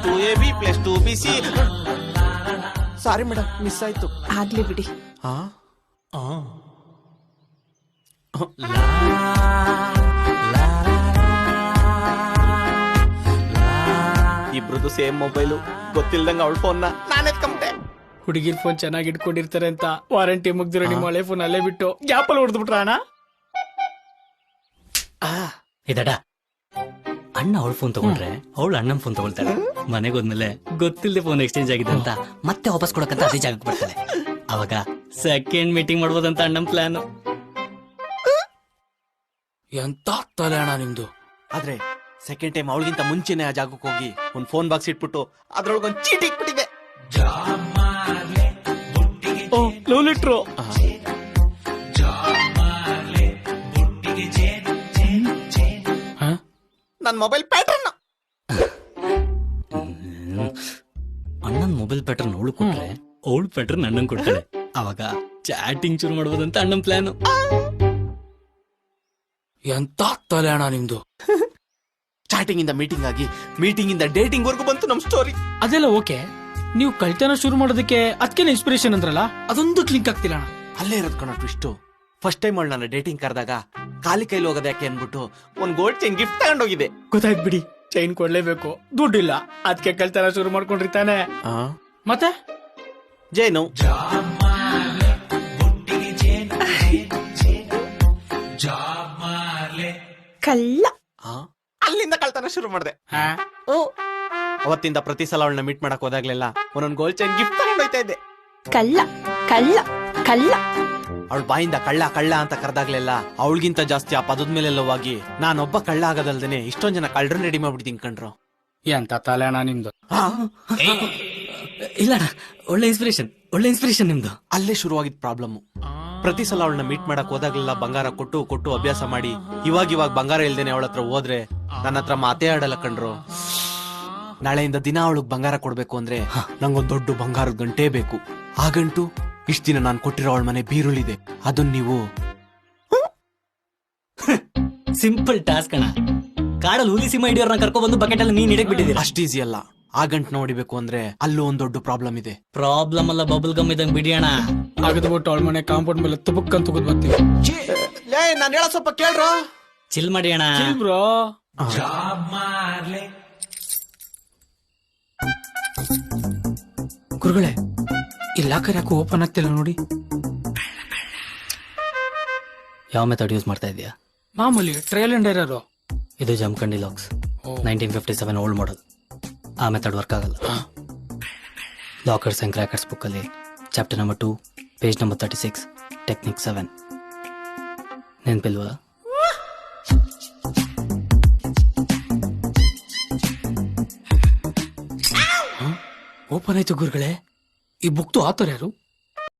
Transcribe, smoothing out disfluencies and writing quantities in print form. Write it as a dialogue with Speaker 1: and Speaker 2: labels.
Speaker 1: +2 BC. Sorry madam, miss ಆಯ್ತು.
Speaker 2: ಆಗ್ಲಿ ಬಿಡಿ.
Speaker 1: ಇಬ್ರದ್ದು ಸೇಮ್ ಮೊಬೈಲು. ಗೊತ್ತಿಲ್ದಂಗ ಅವಳ ಫೋನ್ ನಾನು ಎತ್ಕೊಂಡೆ.
Speaker 3: ಹುಡುಗಿರ್ ಫೋನ್ ಚೆನ್ನಾಗಿ ಇಟ್ಕೊಂಡಿರ್ತಾರೆ ಅಂತ ವಾರಂಟಿ ಮುಗ್ದಿರೋ ನಿಮ್ಮ ಹಳೆ ಫೋನ್ ಅಲ್ಲೇ ಬಿಟ್ಟು ಗ್ಯಾಪಲ್ಲಿ ಹೊಡೆದು ಬಿಟ್ರ ಅಣ್ಣ.
Speaker 4: ಇದಡ ಅಣ್ಣ ಅವಳ ಫೋನ್ ತಗೊಂಡ್ರೆ ಅವಳು ಅಣ್ಣನ ಫೋನ್ ತಗೊಳ್ತಾಳೆ. ಮನೆಗೆ ಹೋದ್ಮೇಲೆ ಗೊತ್ತಿಲ್ಲದೆ ಫೋನ್ ಎಕ್ಸ್ಚೇಂಜ್ ಆಗಿದೆ ಅಂತ ಮತ್ತೆ ವಾಪಸ್ ಕೊಡಕಂತ ಅದೇ ಜಾಗಕ್ಕೆ ಬರ್ತಾಳೆ. ಅವಾಗ ಸೆಕೆಂಡ್ ಮೀಟಿಂಗ್ ಮಾಡ್ಬೋದಂತ ಅಣ್ಣನ ಪ್ಲಾನ್.
Speaker 3: ಎಂತ ತಲೆ ಅಣ್ಣ ನಿಮ್ದು.
Speaker 1: ಆದ್ರೆ ಸೆಕೆಂಡ್ ಟೈಮ್ ಅವಳಿಗಿಂತ ಮುಂಚೆನೆ ಆ ಜಾಗಕ್ಕೆ ಹೋಗಿ ಒಂದ್ ಫೋನ್ ಬಾಕ್ಸ್ ಇಟ್ಬಿಟ್ಟು ಅದ್ರೊಳಗೊಂದ್ ಚೀಟಿ ಇಟ್ಬಿಟ್ಟಿದೆ.
Speaker 3: Love letter.
Speaker 1: ನನ್ ಮೊಬೈಲ್ ಪ್ಯಾಟರ್ನ್.
Speaker 4: ಅಣ್ಣನ್ ಮೊಬೈಲ್ ಪ್ಯಾಟರ್ನ್ ಅವಳು ಕೊಟ್ರೆ ಅವಳು ಪ್ಯಾಟರ್ನ್ ಅಣ್ಣನ್ ಕೊಡ್ತಾಳೆ. ಅವಾಗ ಚಾಟಿಂಗ್ ಶುರು ಮಾಡ್ಬೋದಂತ ಅಣ್ಣನ್ ಪ್ಲಾನ್.
Speaker 3: ಎಂತ ತಲೆ ಅಣ್ಣ ನಿಮ್ದು.
Speaker 1: ಚಾಟಿಂಗ್ ಇಂದ ಮೀಟಿಂಗ್ ಆಗಿ ಮೀಟಿಂಗ್ ಇಂದ ಡೇಟಿಂಗ್ ವರ್ಗು ಬಂತು ನಮ್ ಸ್ಟೋರಿ.
Speaker 3: ಅದೆಲ್ಲ ಓಕೆ, ನೀವು ಕಳ್ತನ ಶುರು ಮಾಡೋದಕ್ಕೆ ಅದಕ್ಕೆ ಇನ್ಸ್ಪಿರೇಷನ್ ಅಂದ್ರಲ್ಲ, ಅದೊಂದು ಕ್ಲಿಕ್ ಆಗ್ತಿಲ್ಲ ಅಣ್ಣ.
Speaker 1: ಅಲ್ಲೇ ಇರೋದ್ ಕಣ ಟ್ವಿಸ್ಟ್. ಫಸ್ಟ್ ಟೈಮ್ ಅವಳು ನನ್ನ ಡೇಟಿಂಗ್ ಕರೆದಾಗ ಖಾಲಿ ಕೈಲಿ ಹೋಗೋದು ಯಾಕೆ ಅನ್ಬಿಟ್ಟು ಒಂದ್ ಗೋಲ್ಡ್ ಚೈನ್ ಗಿಫ್ಟ್ ತಗೊಂಡೋಗಿದೆ.
Speaker 3: ಗೊತ್ತಾಯ್ತು ಬಿಡಿ, ಚೈನ್ ಕೊಡ್ಲೇಬೇಕು, ದುಡ್ಡಿಲ್ಲ, ಅದಕ್ಕೆ ಕಳ್ತನ ಶುರು ಮಾಡ್ಕೊಂಡ್ರಿ ತಾನೆ. ಮತ್ತೆ
Speaker 1: ಜೇನು
Speaker 2: ಕಳ್ಳ.
Speaker 1: ಅಲ್ಲಿಂದ ಕಳ್ತನ ಶುರು ಮಾಡಿದೆ. ಅವತ್ತಿಂದ ಪ್ರತಿ ಸಲ ಅವಳನ್ನ ಮೀಟ್ ಮಾಡಕ್ ಹೋದಾಗ್ಲೆಲ್ಲ ಒಂದೊಂದ್ ಗೋಲ್ಡ್ ಚೈನ್ ಗಿಫ್ಟ್ ತಗೊಂಡೋಯ್ತಾ ಇದ್ದೆ.
Speaker 2: ಕಳ್ಳ ಕಳ್ಳ ಕಳ್ಳ.
Speaker 1: ಅವಳ ಬಾಯಿಂದ ಕಳ್ಳ ಕಳ್ಳ ಅಂತ ಕರೆದಾಗ್ಲೆಲ್ಲ ಅವಳಿಗಿಂತ ಜಾಸ್ತಿ ಆ ಪದದ ಮೇಲೆ ಲವ್ವಾಗಿ ನಾನೊಬ್ಬ ಕಳ್ಳ ಆಗೋದಲ್ದೇನೆ ಇಷ್ಟೊಂದ್ ಜನ ಕಳ್ಳರನ್ನ ರೆಡಿ ಮಾಡ್ಬಿಡ್ತೀನಿ ಕಣ್ರು.
Speaker 3: ಎಂತ ತಲೆ ಅಣ್ಣ ನಿಮ್ದು.
Speaker 4: ಇಲ್ಲ ಅಣ್ಣ, ಒಳ್ಳೆ ಇನ್ಸ್ಪಿರೇಷನ್ ನಿಮ್ದು.
Speaker 1: ಅಲ್ಲೇ ಶುರುವಾಗಿದ್ ಪ್ರಾಬ್ಲಮ್. ಪ್ರತಿ ಸಲ ಅವಳನ್ನ ಮೀಟ್ ಮಾಡಕ್ ಹೋದಾಗ್ಲೆಲ್ಲ ಬಂಗಾರ ಕೊಟ್ಟು ಕೊಟ್ಟು ಅಭ್ಯಾಸ ಮಾಡಿ ಇವಾಗ ಬಂಗಾರ ಇಲ್ದೇನೆ ಅವಳ ಹತ್ರ ಹೋದ್ರೆ ನನ್ನ ಹತ್ರ ಮಾತೇ ಆಡಲ್ಲ ಕಣ್ರು. ನಾಳೆಯಿಂದ ದಿನ ಅವಳಿಗೆ ಬಂಗಾರ ಕೊಡ್ಬೇಕು ಅಂದ್ರೆ ನಂಗೊಂದ್ ದೊಡ್ಡ ಬಂಗಾರದ ಗಂಟೆ ಬೇಕು. ಆ ಗಂಟು ಇಷ್ಟ ದಿನ ನಾನ್ ಕೊಟ್ಟಿರೋ ಅವಳ ಮನೆ ಬೀರುಳಿದೆ. ಅದನ್ನ ನೀವು
Speaker 4: ಸಿಂಪಲ್ ಟಾಸ್ಕ್ ಅಣ್ಣ. ಕಾಡಲ್ಲಿ ಹುಲಿ ಸಿಂಹ ಹಿಡಿಯೋರ್ನ ಕರ್ಕೊ ಬಂದು ಬಕೆಟ್ ಅಲ್ಲಿ ನೀನ್ ಹಿಡಕ್ ಬಿಟ್ಟಿದ್ದೀರಾ.
Speaker 1: ಅಷ್ಟ್ ಈಸಿ ಅಲ್ಲ. ಆ ಗಂಟು ನೋಡಿಬೇಕು ಅಂದ್ರೆ ಅಲ್ಲೂ ಒಂದ್ ದೊಡ್ಡ ಪ್ರಾಬ್ಲಮ್ ಇದೆ.
Speaker 4: ಪ್ರಾಬ್ಲಮ್ ಅಲ್ಲ, ಬಬಲ್ ಗಮ್ ಇದಂಗ್ ಬಿಡಿ ಅಣ್ಣ.
Speaker 3: ಅಗದ್ಬಿಟ್ಟು ಅವಳ ಮನೆ ಕಾಂಪೌಂಡ್ ಮೇಲೆ ತುಬಕ್ಕಂತ ತುಗದ್ ಬರ್ತೀವಿ.
Speaker 1: ನಾನ್ ಹೇಳ ಸ್ವಲ್ಪ ಕೇಳ್ರ.
Speaker 4: ಚಿಲ್ ಮಾಡಿ ಅಣ್ಣ.
Speaker 3: ಬ್ರೋ ಗುರುಗಳೇ, ಈ ಲಾಕರ್ ಯಾಕೆ ಓಪನ್ ಆಗ್ತಿಲ್ಲ ನೋಡಿ.
Speaker 4: ಯಾವ ಮೆಥಡ್ ಯೂಸ್ ಮಾಡ್ತಾ ಇದೀಯಾ?
Speaker 3: ಮಾಮೂಲಿ ಟ್ರಯಲ್ ಅಂಡ್ ಎರರ್.
Speaker 4: ಇದು ಜಮ್ಕಂಡಿ ಲಾಕ್ಸ್, 1957 ಓಲ್ಡ್ ಮಾಡಲ್. ಆ ಮೆಥಡ್ ವರ್ಕ್ ಆಗಲ್ಲ. ಲಾಕರ್ಸ್ ಅಂಡ್ ಕ್ರ್ಯಾಕರ್ಸ್ ಬುಕ್ ಅಲ್ಲಿ chapter number 2 page number 36 technique 7 ನೆನ್ಪಿಲ್ವಾ?
Speaker 3: ಓಪನ್ ಆಯ್ತು ಗುರುಗಳೇ. ಈ ಬುಕ್ತು ಆತರ ಯಾರು?